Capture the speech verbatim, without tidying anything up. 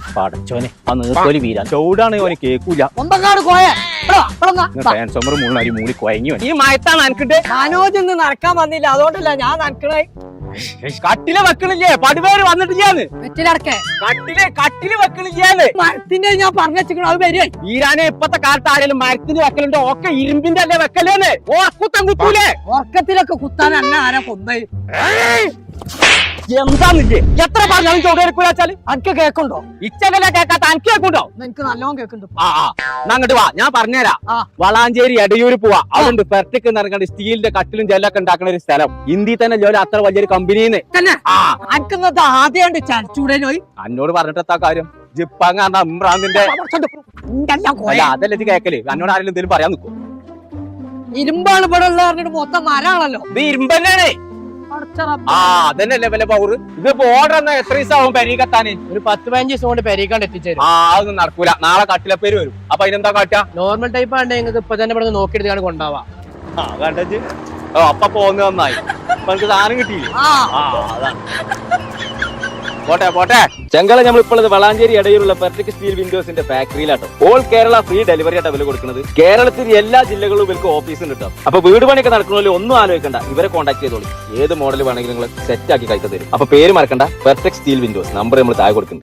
പടച്ചോനെ ആ നീർത്തോലി വീരാൻ ചൂടാണ് ഓന് കേക്കൂല ട്രാൻസ്ഫോമർ മൂന്നാരി മൂടി കൊയങ്ങി ഈ മയത്താണ് എനിക്കിട്ട് മനോജ് ഇന്ന് നടക്കാൻ വന്നില്ല അതുകൊണ്ടല്ല ഞാൻ നടക്കണേ. കട്ടില് വെക്കണില്ലേ പടിവേര് വന്നിട്ടില്ലാന്ന് വെറ്റിലടക്കേ കട്ടില് കട്ടില് വെക്കണില്ലാന്ന് മരത്തിന്റെ ഞാൻ പറഞ്ഞിരിക്കണ അത് വരും. ഈരാനെ ഇപ്പത്തെ കാലത്ത് ആരെങ്കിലും മരത്തിന് വെക്കലുണ്ടോ ഒക്കെ ഇരുമ്പിന്റെ അല്ലേ വെക്കലേന്ന് ഓർക്കുത്തം കുത്തൂലേ ഉറക്കത്തിലൊക്കെ കുത്താൻ അന്ന ആരാ കൊന്നേ എന്താന്നില്ലേ എത്ര പറഞ്ഞാലും ചോദ്യം അനക്ക് കേക്കുണ്ടോ? ഇച്ചകല കേക്കാത്ത അനക്ക് കേക്കുണ്ടോ? എനിക്ക് നല്ലോണം കേക്കുന്നുണ്ട്. ആ ആ അങ്ങോട്ട് വാ ഞാൻ പറഞ്ഞുതരാം. വളാഞ്ചേരി എടയൂര് പോവാ അവിടെ പെർട്ടിക്ക് നടക്കേണ്ട സ്റ്റീലിന്റെ കട്ടിലും ജെല്ലൊക്കെ ഉണ്ടാക്കുന്ന ഒരു സ്ഥലം ഇന്ത്യയിൽ തന്നെ ജോലി അത്ര വലിയൊരു കമ്പനിന്ന് അനക്കുന്നത് ആദ്യമായിട്ട് ചരച്ചൂടേനോയി എന്നോട് പറഞ്ഞിട്ടെത്താ കാര്യം ജിപ്പാങ് ഇമ്രാന്തിന്റെ അതല്ല ഇത് കേക്കല് എന്നോട് ആരെങ്കിലും എന്തെങ്കിലും പറയാൻ നിൽക്കും. ഇരുമ്പാണ് ഇവിടെ ഉള്ള പറഞ്ഞിട്ട് മൊത്തം മരാണല്ലോ. ഇത് ഇരുമ്പ് തന്നെയാണ്. ആ അതന്നെയല്ലേ വല്ല പവർ. ഇതിപ്പോ ഓർഡർ എന്നാ എത്ര ദിവസം ആവും പെരീക്കെത്താന്? ഒരു പത്ത് പതിനഞ്ച് ദിവസം കൊണ്ട് പെരീക്കാണ്ട് എത്തിച്ചേരും. ആ അതൊന്നും നടക്കൂല. നാളെ കട്ടിലപ്പേര് വരും. അപ്പൊ അതിനെന്താ കാട്ടാ? നോർമൽ ടൈപ്പ് ആണ്ട് നിങ്ങൾക്ക് ഇപ്പൊ തന്നെ ഇവിടെ നോക്കിയെടുത്താണ് കൊണ്ടാവാ. ആ കണ്ടു ഓ അപ്പൊ പോന്ന് നന്നായി. അപ്പൊ എനിക്ക് സാധനം കിട്ടിയില്ലേ? ആ അതാണ്. പോട്ടെ പോട്ടെ ചെങ്കള നമ്മളിപ്പോൾ വളാഞ്ചേരി ഇടയിലുള്ള പെർഫെക്റ്റ് സ്റ്റീൽ വിൻഡോസിന്റെ ഫാക്ടറിയിലാട്ടോ. ഓൾ കേരള ഫ്രീ ഡെലിവറി ആയിട്ട് അവര് കൊടുക്കുന്നത്. കേരളത്തിൽ എല്ലാ ജില്ലകളിലും ഇവർക്ക് ഓഫീസും കിട്ടും. അപ്പൊ വീട് പണിയൊക്കെ നടക്കണമല്ലോ ഒന്നും ആലോചിക്കണ്ട, ഇവരെ കോൺടാക്ട് ചെയ്തോളൂ. ഏത് മോഡൽ വേണമെങ്കിലും നിങ്ങൾ സെറ്റ് ആക്കി കഴിക്കാൻ തരും. അപ്പൊ പേര് മറക്കണ്ട, പെർഫെക്റ്റ് സ്റ്റീൽ വിൻഡോസ്. നമ്പർ നമ്മൾ താഴെ കൊടുക്കുന്നത്.